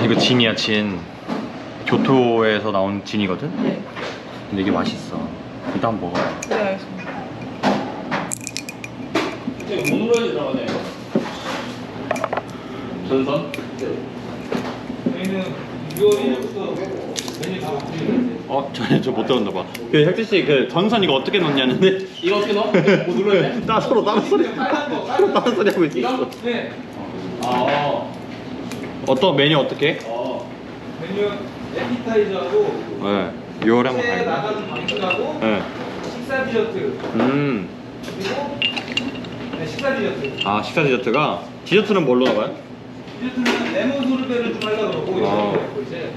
이거 진이야, 진. 교토에서 나온 진이거든? 네. 근데 이게 맛있어. 일단 한번 먹어. 네, 알겠습니다. 몽로에 들어가네요. 전선? 저희는 6월 1일부터 메뉴 다 바뀌는데 저못 들었나 봐. 그 혁진씨 그 전선 이거 어떻게 넣냐는데? 이거 어떻게 넣어? 뭐 눌러야 돼? 나 서로 다른 소리 서로 다른 소리 하고 있어. 이거? 네. 어떤 메뉴 어떻게? 메뉴 에피타이저하고 네. 6월에 한번 새 가야 나가는 방식하고 네. 식사 디저트 음. 그리고 네, 식사 디저트 식사 디저트가 디저트는 뭘로 나가요? 디저트는 레몬 소르베를 좀 하려고 그러고 아. 이제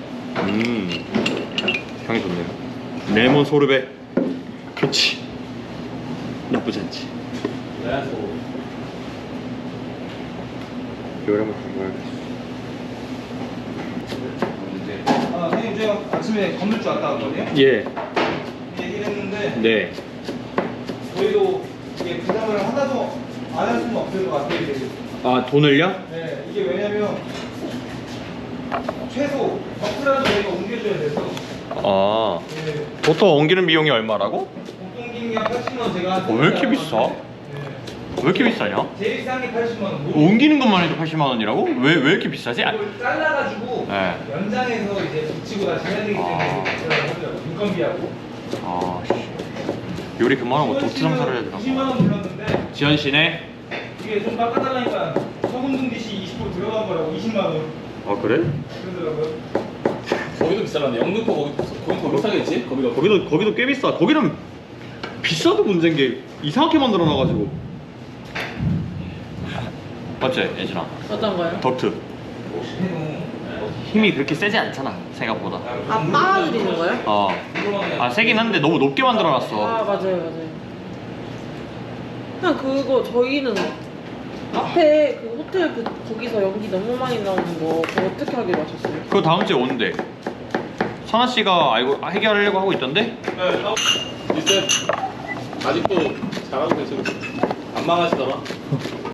향이 좋네요. 레몬 소르베. 그렇지. 나쁘지 않지. 레몬. 6월에 한번 가봐야겠어. 선생님 제가 아침에 건물주 왔다 왔거든요. 예. 얘기를 했는데 네. 저희도 이게 부담을 하나도 안 할 수는 없을 것 같아요. 이제. 돈을요? 네, 이게 왜냐면 최소 버프라도 저희가 옮겨줘야 돼서 네, 보통 옮기는 비용이 얼마라고? 보통 기능이 80만 제가 왜 이렇게 비싸? 네. 왜 이렇게 비싸냐? 제일 비싼 게 80만 원. 옮기는 것만 해도 80만 원이라고? 왜 이렇게 비싸지? 이걸 잘라가지고 네. 연장해서 이제 붙이고 다시 해야 되기 때문에 하더라고요. 인건비하고. 요리 그만하고 도트 장사를 해야 되나 20만 봐. 원 불렀는데 지현 씨네? 이게 좀 깎아달라니까 소금 등기시 20% 들어간 거라고 20만 원 그래? 그러더라고요. 거기도 비싸는데 영등포 거기 더 비싸겠지? 거기도 꽤 비싸. 거기는 비싸도 문제인 게 이상하게 만들어 놔가지고. 맞지, 예진아? 어떤 거요? 덕트. 힘이 그렇게 세지 않잖아, 생각보다. 빨아들이는 거요? 세긴 한데 너무 높게 만들어 놨어. 맞아요. 그냥 그거 저희는 앞에 그 호텔 거기서 연기 너무 많이 나오는 거 그거 어떻게 하기로 하셨어요? 그거 다음 주에 온대. 선아 씨가 해결하려고 하고 있던데? 리셋 아직도 잘하고 계시고 안 망하시더라.